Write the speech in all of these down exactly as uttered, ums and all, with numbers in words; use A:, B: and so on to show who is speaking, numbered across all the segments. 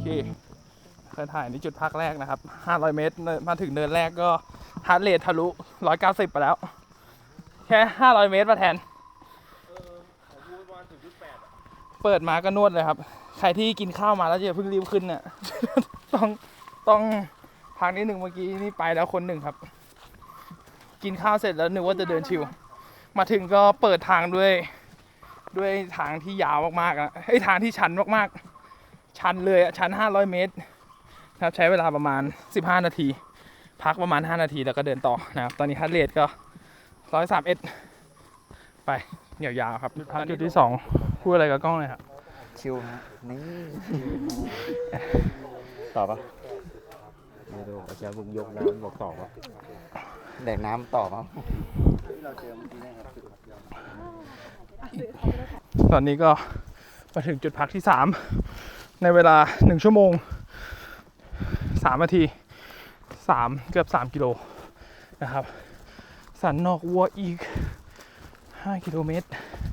A: เคเคยถ่ายในจุดพักแรกนะครับห้าร้อยเมตรมาถึงเนินแรกก็ฮาร์ทเรททะลุหนึ่งร้อยเก้าสิบไปแล้วแค่ห้าร้อยเมตรมาแทนเปิดมาก็นวดเลยครับใครที่กินข้าวมาแล้วจะเพิ่งรีบขึ้นเนี่ย ต้องต้องพักนิดหนึ่งเมื่อกี้นี่ไปแล้วคนหนึ่งครับกินข้าวเสร็จแล้วนึกว่าจะเดินชิวมาถึงก็เปิดทางด้วยด้วยทางที่ยาวมากๆอ่ะไอ้ทางที่ชันมากๆชันเลยอ่ะชันห้าร้อยเมตรครับใช้เวลาประมาณสิบห้านาทีพักประมาณห้านาทีแล้วก็เดินต่อนะครับตอนนี้ฮาร์ทเรทก็หนึ่งร้อยสามสิบเอ็ดไปยาวๆครับจุดพักจุดที่สองพูดอะไรกับกล้องเลยครับ
B: ชิวฮะนี่ต่อปะไม่รู้อาจารย์บุกยกน้ำบอกต่อปะแดกน้ำต่อมั้ง
A: ตอนนี้ก็มาถึงจุดพักที่สามในเวลาหนึ่งชั่วโมงสามนาทีสามเกือบสามกิโลนะครับสันนอกวัวอีกห้ากิโลเมตร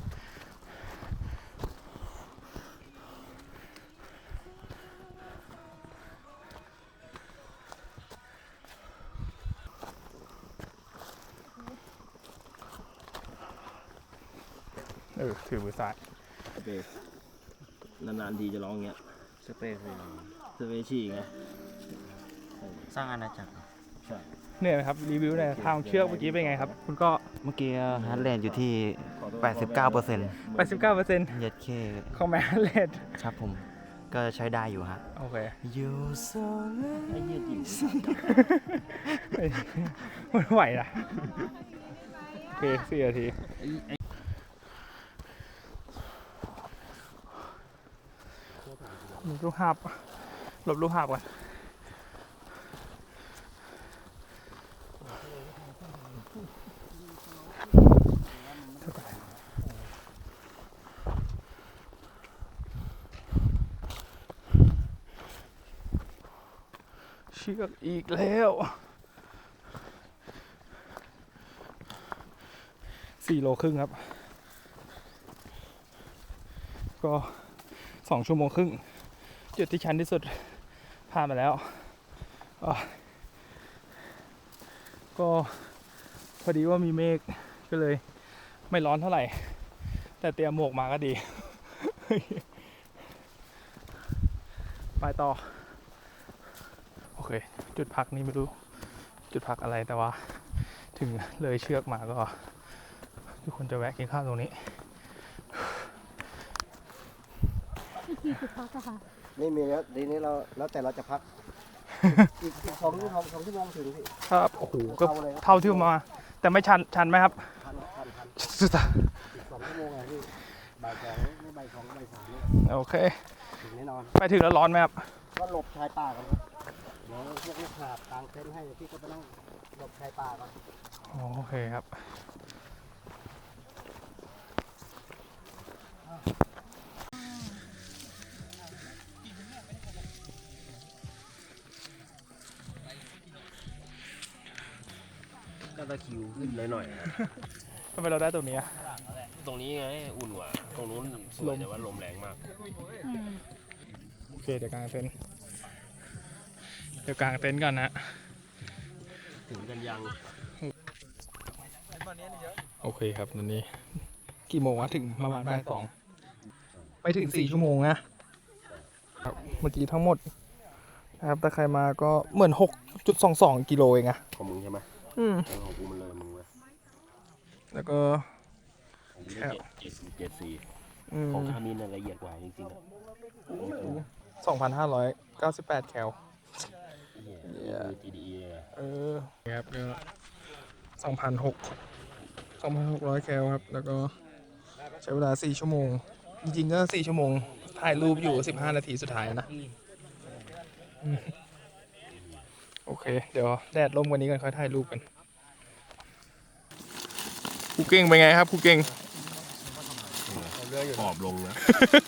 A: เออถือมือซ้าย
C: สเปซนานๆทีจะร้องเงี้ย
B: สเปซ
C: สเปซชี่ไง
B: สร้างอาณาจักร
C: ใช่
A: เนี่ยนะครับรีวิวในทางเชือกเมื่อกี้เป็นไงครับคุณก็
B: เมื่อกี้ฮาร์ทเรทอยู่ที่ แปดสิบเก้าเปอร์เซ็นต์
A: แปดสิบเก้าเปอร์เซ็นต์
B: เย็ดเค
A: ของแมฮาร์ทเรท
B: ครับผมก็ใช้ได้อยู่ฮะ
A: โอเค
B: ยูโซ
C: ไอ้เหี้ยจริง
A: ไม่ไหวนะโอเคสี่นาทีมีลูกหาบหลบลูกหาบก่อนเชือกอีกแล้วสี่โลครึ่งครับก็สองชั่วโมงครึ่งจุดที่ชันที่สุดผ่านมาแล้วก็พอดีว่ามีเมฆก็เลยไม่ร้อนเท่าไหร่แต่เตรียมหมวกมาก็ดี ไปต่อโอเคจุดพักนี้ไม่รู้จุดพักอะไรแต่ว่าถึงเลยเชือกมาก็ทุกคนจะแวะกินข้าวตรงนี้
D: จุดพักอะค่ะ
E: นี่มีแล้วทีนี้เราแล้วแต่เราจะพักอีกสองชั่วโมงสองชั่วโมงถึงพี่
A: ครับโอ้โหก็เท่าที่มาแต่ไม่ชันชันไหมครับ
E: ทันทันทัน
A: สุด
E: อีกสองชั่วโมงไงพี่บ่ายสองไม่บ่ายสองบ่ายสาม
A: โอเค
E: ถึงแน่นอน
A: ไปถึงแล้วร้อนไหมครับ
E: ก็หลบชายป่ากันเดี๋ยวพวกลูกหาบกางเต็นท์ให้พี่ก็ไปนั่งหลบชายป่ากัน
A: โอเคครับ
C: ก็ตะคิวขึ้นหน่อย
A: ทำไมเราได้ตรงนี้
C: ตรงนี้ไงอุ่นกว่าตรงนู้นสวยแต่ว่าลมแรงมาก
A: โอเคเดี๋ยวกางเต็นท์เดี๋ยวกางเต็นท์ก่อนนะ
C: ถึงกันยัง
A: โอเคครับตอนนี้กี่โมงวะถึงประมาณบ่ายสองไปถึงสี่ชั่วโมงนะเมื่อกี้ทั้งหมดนะครับแต่ใครมาก็เหมือน หกจุดสองสอง กิโลเองอะ
C: ของมึงใช่ไหม
A: อืม
C: ของกูมันเลยมึงเว้ย
A: แล้วก็
C: แค่เจ็ดเจ็ดสี่ของคามินละเอียดกว่าจริงๆอ่ะ
A: สองพันห้าร้อยเก้าสิบแปด แคล
C: จี ดี อี
A: เออครับก็สองพันหกสองพันหกร้อยแคลครับแล้วก็ใช้เวลาสี่ชั่วโมงจริงๆก็สี่ชั่วโมงถ่ายรูปอยู่สิบห้านาทีสุดท้ายนะโอเคเดี๋ยวแดดลมวันนี้กันค่อยถ่ายรูปกันครูเก่งเป็นไงครับครูเก่ง
C: ขอบลงนะ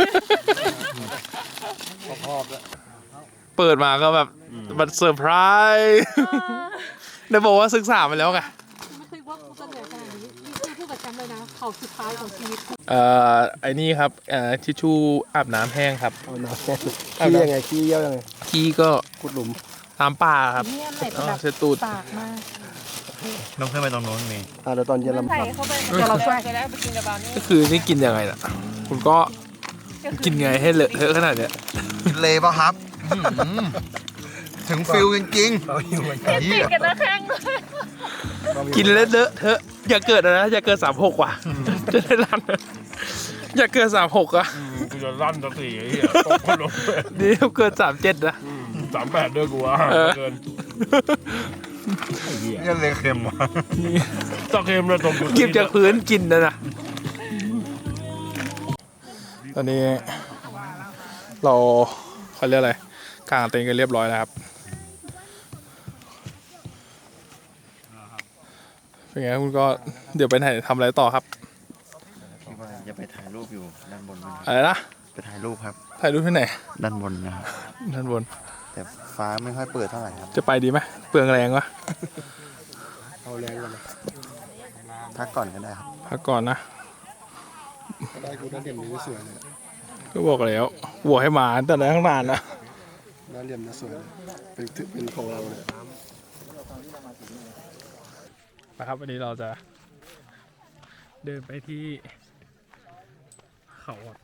E: ขอบแล้ว
A: เปิดมาก็แบบมันเซอร์ไพรส์ได้บอกว่าศึกษามาแล้วไง
D: ไม่เคยว่ากูจะเหนื่อยขนาดนี้นี่คือพูดกับแชมป์เลยนะเขาเขาสุดท้ายของชีวิต
A: เอ่อไอ้นี่ครับเอ่อทิชชู่อาบน้ำแห้งครับ
E: เอาน้ำขี้ยังไงขี้เยี่ยวยังไง
A: ขี้ก็
E: ขุดหลุม
A: ตามป่าครับ
D: เนี่ยใส่
A: อ๋อ
D: แบบ
A: เสร็จตูด
D: ปากมาก
B: น้องขึ้นไปตรงโน้นมี
E: อ่าเดี๋ยวตอนเย็นเรา
D: ใส่เข้าไปเดี๋ยวเราช่วยกันแล้วไปกินกับบาวนี่
A: ก็คือนี่กินยังไงล่ะ คุณก็กินไงให้เลอะเทอะขนาดเนี้ย
F: เลยป่ะครับ ถึงฟิลจริง
D: ติดกันนะแข้ง
A: กินแล้วเลอะเทอะอย่าเกิดนะอย่าเกิดสามหกว่ะจะได้รันอย่าเกิดสามหกอ่ะ
C: กูจะลั่นสักทีไอ้เหี้ยตกคนลง
A: นี่เกิดสามเจ็ดนะ
C: สามแปดด้วยกูว่า
A: เออ
C: เกิน
F: ๆนี่เลยเค็มว่ะ
C: ตะเค็มเลยตกอยู่
A: กินจากพื้นกินนะนะตอนนี้เราเขาเรียกอะไรกางเต็นท์กันเรียบร้อยแล้วครับเป็นไงคุณก็เดี๋ยวไปไหนทำอะไรต่อครับ
F: คิดว่าจะไปถ่ายรูปอยู่ด้านบนมั้งครับ
A: อะไรนะ
F: ไปถ่ายรูปครับ
A: ถ่ายรูปที่ไหน
F: ด้านบนนะครับ
A: ด้านบน
F: แต่ฟ้าไม่ค่อยเปิดเท่าไหร่ครับ
A: จะไปดีไหมเปลืองแรงวะ
E: เอาแรงกันเลย
F: พักก่อนก็ได้ครับ
A: พักก่อนนะ
E: ได้กูได้เหลี่ยมนี้สวยเลย
A: ก็บอกแล้วบวกให้มาตั้งแต่ข้างนานนะ
E: ได้เหลี่ยมนี้สวยเลยเป็นเป็นของเราเลย
A: นะครับวันนี้เราจะเดินไปที่เขาอะ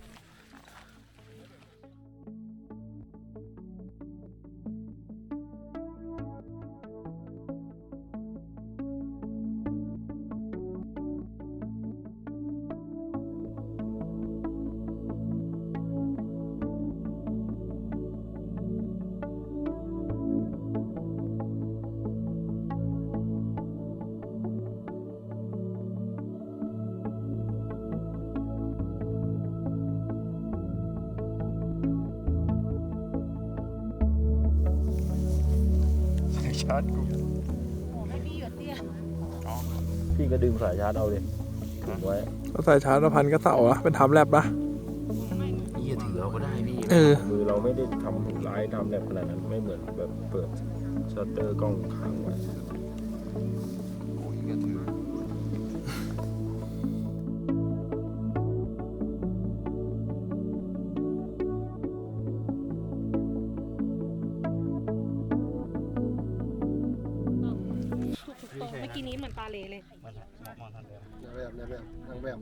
A: ชาร์จกู
B: พี่ก็ดึงสายชาร์จเอาเลยถูกไว้
A: ก็ใส่ชาร์จพันก็เสาอะเป็นทำแลบปะ
C: เหี้ยถือเอาก็ได้พี่
A: เออ
B: มือเราไม่ได้ทำร้ายทำแบบขนาดนั้นไม่เหมือนแบบเปิดชัตเตอร์กล้องค้างไว้
D: ถูกต้องเมื่อกี้นี้เหมือนตาเลเลย
E: แบบแบบแบบนางแบบ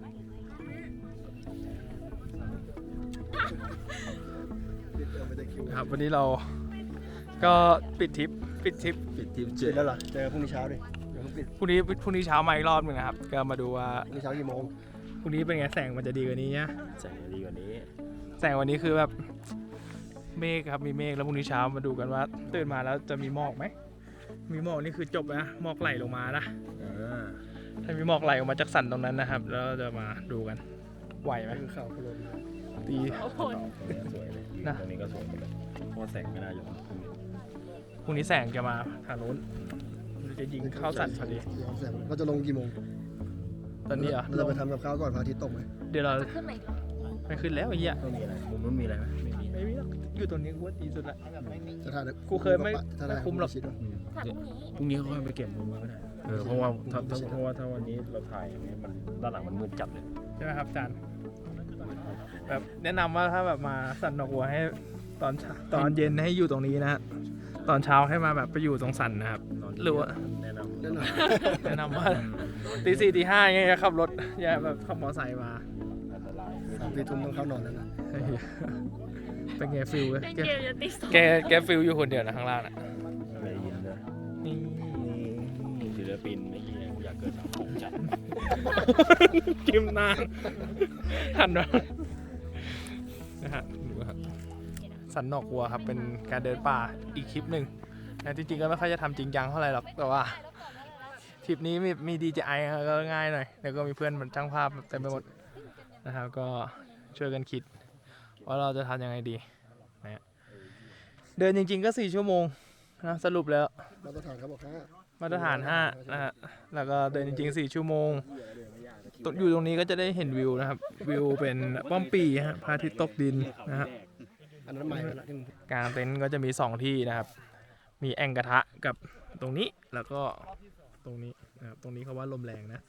A: ครับวันนี้เราก็ปิดทริปปิดทริป
B: ปิดทีม
E: ปิ
B: เจ็
E: ด
B: ด
E: แล้วเหรอเจอพรุ่งนี้เช้าดิเดี๋ยวเพิ่งปิด
A: พรุ่งนี้พรุ่งนี้เช้ามาอีกรอบหนึงนะครับก็มาดูว่า
E: พรุ่งนี้เช้ากี่โมง
A: พรุ่งนี้เป็นไงแสงมันจะดีกว่านี้เนี่ย
B: แสงดีกว่านี้
A: แสงวันนี้คือแบบเมฆครับมีเมฆแล้วพรุ่งนี้เช้ามาดูกันว่าตื่นมาแล้วจะมีหมอกไหมมีหมอกนี่คือจบนะหมอกไหลลงมานะ
B: อ่า
A: ถ้ามีหมอกไหลออกมาจากสันตรงนั้นนะครับ แล้วเราจะมาดูกันไหวไหม
E: คือข่าวพลน
A: ตี
D: เขาผล
B: สวยเลย
A: นะ
B: ตรงนี้ก็สวยหมดเลยเพราะว่าแสงไม่น่าอยู่
A: พรุ่งนี้แสงจะมาทางนู้นมันจะยิงเข้าสันพอดี
E: เราจะลงกี่โมง
A: ตอนนี้เหรอ่ะ
E: เราจะไปทำกับข้าวก่อนพระอาทิตย์ตกไหม
A: เดี๋ยวเรา
D: ขึ้นไหน
A: ไปขึ้นแล้วไอ้เหี้ย
B: ไม่มีอะไรมุมนู้นมีอะไรไหมไม่มี
A: ไม่มีหรอกอยู่ตรงนี้กูว่าดีสุดละ
E: จะถ่าย
A: กูเคยไม่
E: ถ้าด้
A: ไม่คุ้มหรอก
E: ชิดวะ
B: พรุ่งนี้เขาค่อยไปเก็บมุมก็ได้เออเพราะว่าถ้าถ้าเพราะว่าถ้าวันนี้เราถ่ายอย่างนี้มันด้านหลังมันมืดจัดเลย
A: ใช่ไหมครับอาจารย์แบบแนะนำว่าถ้าแบบมาสันดอกบัวให้ตอนเช้าตอนเย็นให้อยู่ตรงนี้นะฮะตอนเช้าให้มาแบบไปอยู่ตรงสันนะครับ
B: นอน
A: หรือว่า
B: แนะนำ
E: แน่นอน
A: แนะนำว่าตีสี่ตีห้าอย่างเงี้ยอย่าขับรถอย่าแบบขับมอเตอร์ไซค์มา
B: อันตราย
E: สามสี่ทุ่มต้องเข้านอนแล้วนะ
A: เฮ้ยเป็นไงฟิลเว้ย
D: เล่น
A: แก
D: เกมจะตีสอง
A: แกแกฟิลอยู่คนเดียวนะข้างล่างน่ะ
B: อะไรยินเลย
A: นี่
B: ศิลปินไม่ยี่กูอยากเกิดสังคมจัด
A: กิมนานหันมานะฮะดูครับสันนอกวัวครับเป็นการเดินป่าอีกคลิปหนึ่งนะจริงๆก็ไม่ค่อยจะทำจริงจังเท่าไหร่หรอกแต่ว่าทริปนี้มีมีดีเจไอก็ง่ายหน่อยแล้วก็มีเพื่อนมันช่างภาพเต็มไปหมดนะครับก็ช่วยกันคิดว่าเราจะทำยังไงดีนะฮะเดินจริงๆก็สี่ชั่วโมงนะสรุปแล้ว
E: มาตรฐานเขาบอกห้า
A: มาตรฐานห้านะฮะแล้วก็เดินจริงๆสี่ชั่วโมงตรงอยู่ตรงนี้ก็จะได้เห็นวิวนะครับวิวเป็นป้อมปีฮะพระอาทิตย์ตกดินนะฮะ
E: อันนั้นใหม่ไปแล้วที่มึง
A: กลางเต็นท์ก็จะมีสองที่นะครับ มีแอ่งกระทะกับตรงนี้แล้วก็ตรงนี้นะครับตรงนี้เขาว่าลมแรงนะ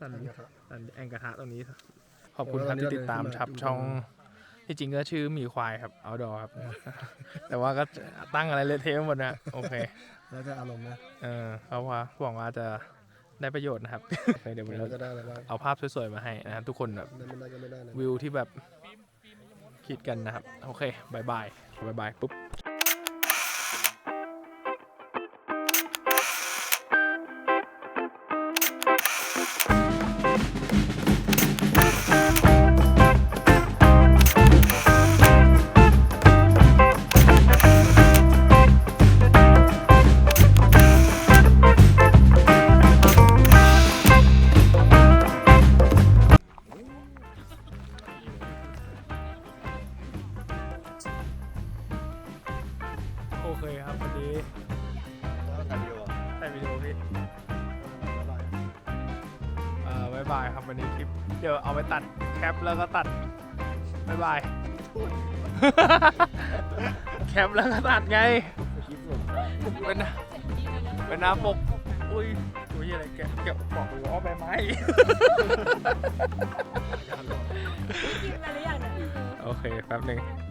A: สันสันแองกระทะตรงนี้ ขอบคุณครับที่ติดตามครับช่องที่จริงก็ชื่อหมีควายครับเอาดอครับ แต่ว่าก็ตั้งอะไรเละเทะหมดนะโอเค
E: แล้วจะอารมณ์นะ
A: เออเขาว่าหวังว่าจะได้ประโยชน์นะครับ เดี๋ยววันนี้
E: เรา
A: เรา
E: จะได้อะไรบ้าง
A: เอาภาพสวยๆมาให้นะครับทุกคนแบบ
E: ได้ไม่ได้ก็ไม่ได้นะ
A: วิวที่แบบคิดกันนะครับ โอเคบายบายบายบายปุ๊บโอเคครับวันนี้ถ่ายวิดีโอพี่เอ่อบายบายครับวันนี้คลิปเดี๋ยวเอาไปตัดแคปแล้วก็ตัดบายบาย แคปแล้วก็ตัดไงเป็นเป็นหน้าปกอุ้ยตัวยี่อะไรแกะแกะบอกเลยว่าใบไม้
D: กินอะไรหรือยังเนี่ย
A: โอเคแป๊บหนึ่ง